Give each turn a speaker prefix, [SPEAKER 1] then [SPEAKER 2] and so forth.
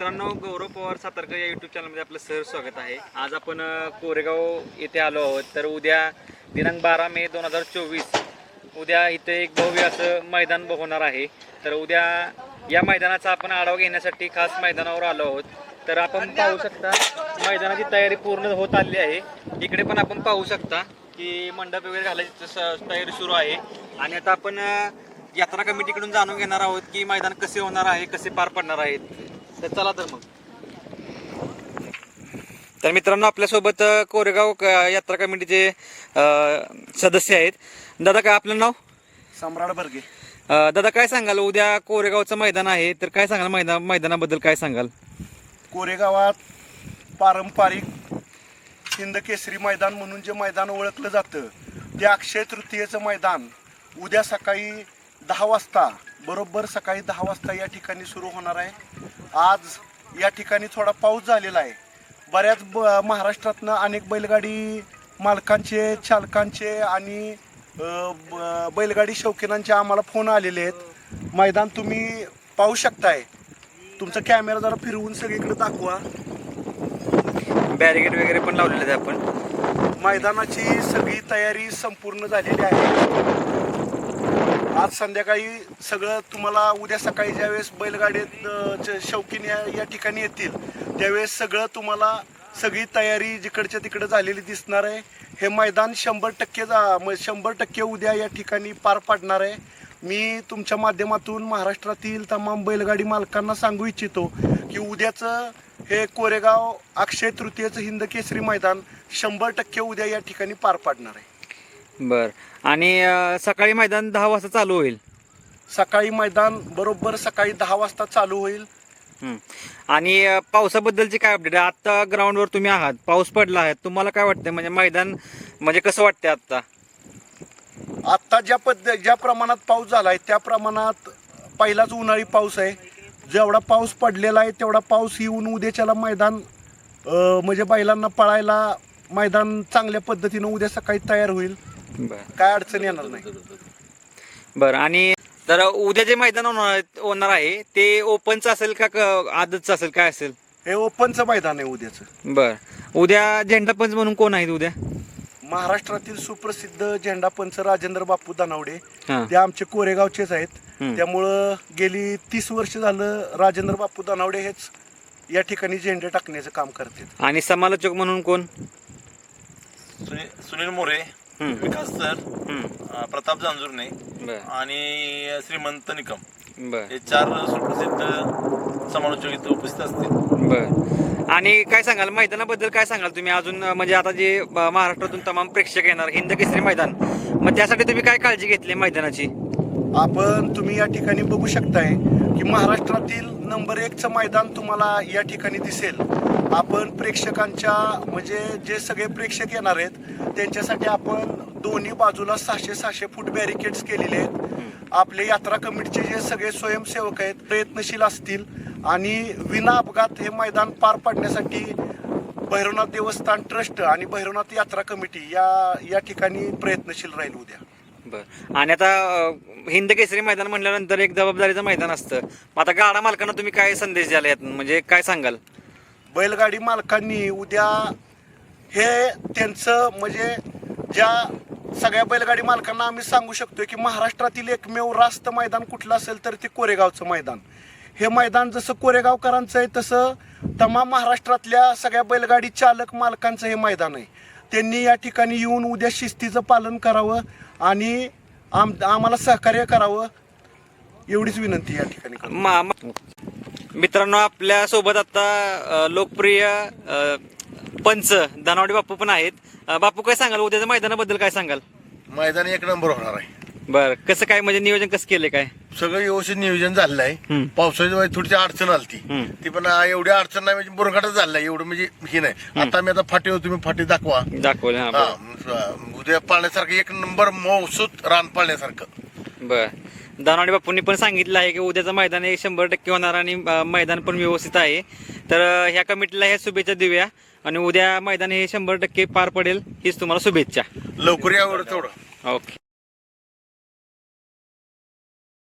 [SPEAKER 1] मित्रांनो, गौरव पवार सातारकर या यूट्यूब चॅनलमध्ये आपलं सहर्ष स्वागत आहे. आज आपण कोरेगाव येथे आलो आहोत. तर उद्या दिनांक 12 मे 2024 उद्या इथे एक भव्य असं मैदान होणार आहे. तर उद्या या मैदानाचा आपण आढावा घेण्यासाठी खास मैदानावर आलो आहोत. तर आपण पाहू शकता मैदानाची तयारी पूर्ण होत आली आहे. इकडे पण आपण पाहू शकता की मंडप वगैरे घालायची तयारी सुरू आहे. आणि आता आपण यात्रा कमिटीकडून जाणून घेणार आहोत की मैदान कसे होणार आहे, कसे पार पडणार आहेत. तर चला तर मग. तर मित्रांनो, आपल्यासोबत कोरेगाव यात्रा कमिटीचे सदस्य आहेत. दादा, काय आपलं नाव?
[SPEAKER 2] सम्राट बर्गे.
[SPEAKER 1] दादा, काय सांगाल? उद्या कोरेगावचं मैदान आहे, तर काय सांगाल मैदानाबद्दल काय सांगाल?
[SPEAKER 2] कोरेगावात पारंपरिक हिंद केसरी मैदान म्हणून जे मैदान ओळखलं जातं ते अक्षय तृतीयेचं मैदान उद्या सकाळी 10 वाजता बरोबर सकाळी 10 वाजता या ठिकाणी सुरू होणार आहे. आज या ठिकाणी थोडा पाऊस झालेला आहे. बऱ्याच महाराष्ट्रातनं अनेक बैलगाडी मालकांचे, चालकांचे आणि बैलगाडी शौकीनांचे आम्हाला फोन आलेले आहेत. मैदान तुम्ही पाहू शकताय. तुमचा कॅमेरा जरा फिरवून सगळीकडे दाखवा.
[SPEAKER 1] बॅरिकेड वगैरे पण लावलेले आहेत आपण.
[SPEAKER 2] मैदानाची सगळी तयारी संपूर्ण झालेली आहे. आज संध्याकाळी सगळं तुम्हाला उद्या सकाळी ज्यावेळेस बैलगाडीत शौकीन या ठिकाणी येतील त्यावेळेस सगळं तुम्हाला सगळी तयारी जिकडच्या तिकडे झालेली दिसणार आहे. हे मैदान 100% उद्या या ठिकाणी पार पाडणार आहे. मी तुमच्या माध्यमातून महाराष्ट्रातील तमाम बैलगाडी मालकांना सांगू इच्छितो की उद्याचं हे कोरेगाव अक्षय तृतीयेचं हिंद केसरी मैदान 100% उद्या या ठिकाणी पार पाडणार आहे.
[SPEAKER 1] बर. आणि सकाळी मैदान 10 वाजता चालू होईल.
[SPEAKER 2] सकाळी मैदान बरोबर सकाळी 10 वाजता चालू होईल.
[SPEAKER 1] आणि पावसाबद्दलची काय अपडेट आहे? आता ग्राउंडवर तुम्ही आहात, पाऊस पडला आहे, तुम्हाला काय वाटतंय? म्हणजे मैदान म्हणजे कसं वाटतंय आता?
[SPEAKER 2] आत्ता ज्या प्रमाणात पाऊस झाला आहे त्या प्रमाणात पहिलाच उन्हाळी पाऊस आहे. जेवढा पाऊस पडलेला आहे तेवढा पाऊस येऊन उद्याच्याला मैदान म्हणजे बैलांना पळायला मैदान चांगल्या पद्धतीनं उद्या सकाळी तयार होईल. काय अडचण येणार नाही.
[SPEAKER 1] बरं. आणि तर उद्या जे मैदान होणार आहे ते ओपनचं असेल का आदतचं असेल, काय असेल?
[SPEAKER 2] हे ओपनचं मैदान आहे उद्याचं.
[SPEAKER 1] बरं. उद्या झेंडा पंच म्हणून कोण आहेत उद्या?
[SPEAKER 2] महाराष्ट्रातील सुप्रसिद्ध झेंडा पंच राजेंद्र बापू दानावडे.
[SPEAKER 1] हां.
[SPEAKER 2] ते आमचे कोरेगावचेच आहेत. त्यामुळं गेली 30 वर्ष झालं राजेंद्र बापू दानावडे हेच या ठिकाणी झेंडे टाकण्याचं काम करतात.
[SPEAKER 1] आणि समालोचक म्हणून कोण?
[SPEAKER 3] सुनील मोरे, विकास सर, प्रताप जांजुर्णे
[SPEAKER 1] बरं.
[SPEAKER 3] आणि श्रीमंत निकम,
[SPEAKER 1] बरं.
[SPEAKER 3] हे 4 सुप्रसिद्ध समालोचक इथे उपस्थित असतील.
[SPEAKER 1] बरं. आणि काय सांगाल मैदानाबद्दल? काय सांगाल तुम्ही अजून? म्हणजे आता जे महाराष्ट्रातून तमाम प्रेक्षक येणार हिंद केसरी मैदान, मग त्यासाठी तुम्ही काय काळजी घेतली मैदानाची?
[SPEAKER 2] तुम्ही या ठिकाणी बघू शकताय की महाराष्ट्रातील नंबर 1चं मैदान तुम्हाला या ठिकाणी दिसेल. आपण प्रेक्षकांच्या म्हणजे जे सगळे प्रेक्षक येणार आहेत त्यांच्यासाठी आपण दोन्ही बाजूला 600 फूट बॅरिकेड्स केलेले आहेत. आपले यात्रा कमिटीचे जे सगळे स्वयंसेवक आहेत प्रयत्नशील असतील आणि विना अपघात हे मैदान पार पाडण्यासाठी भैरवनाथ देवस्थान ट्रस्ट आणि भैरवनाथ यात्रा कमिटी या ठिकाणी प्रयत्नशील राहील उद्या.
[SPEAKER 1] बरं. आणि आता हिंद केसरी मैदान म्हटल्यानंतर एक जबाबदारीचं मैदान असतं. आता गाडा मालकांना तुम्ही काय संदेश द्याल यात? म्हणजे काय सांगाल?
[SPEAKER 2] बैलगाडी मालकांनी उद्या हे त्यांचं म्हणजे ज्या सगळ्या बैलगाडी मालकांना आम्ही सांगू शकतो की महाराष्ट्रातील एकमेव रास्त मैदान कुठलं असेल तर ते कोरेगावचं मैदान. हे मैदान जसं कोरेगावकरांचं आहे तसं तमाम महाराष्ट्रातल्या सगळ्या बैलगाडी चालक मालकांचं हे मैदान आहे. त्यांनी या ठिकाणी येऊन उद्या शिस्तीचं पालन करावं आणि आम्हाला सहकार्य करावं एवढीच विनंती या ठिकाणी.
[SPEAKER 1] मित्रांनो, आपल्या सोबत आता लोकप्रिय पंच दानावडे बापू पण आहेत. बापू, काय सांगाल उद्याच्या मैदानाबद्दल? काय सांगाल?
[SPEAKER 4] मैदान 1 नंबर होणार आहे.
[SPEAKER 1] बरं. कसं काय म्हणजे नियोजन कसं केलं? काय
[SPEAKER 4] सगळं व्यवस्थित नियोजन झालेलं आहे. पावसाच्या वेळी थोडीशी अडचण आली ती पण एवढी अडचण नाही, म्हणजे बुरघाटच झालेला आहे. एवढं म्हणजे ही नाही. आता मी फाटी तुम्ही फाटी
[SPEAKER 1] दाखवले.
[SPEAKER 4] उद्या पाळण्यासारखं 1 नंबर मौसूत रान पाळण्यासारखं.
[SPEAKER 1] बर. दानावडे बापूंनी पण सांगितलं आहे की उद्याचं मैदान हे 100% होणार आणि मैदान पण व्यवस्थित आहे. तर ह्या कमिटीला ह्या शुभेच्छा देऊया आणि उद्या मैदान हे 100% पार पडेल हीच तुम्हाला शुभेच्छा.
[SPEAKER 4] लवकर यावर तेवढं.
[SPEAKER 1] ओके.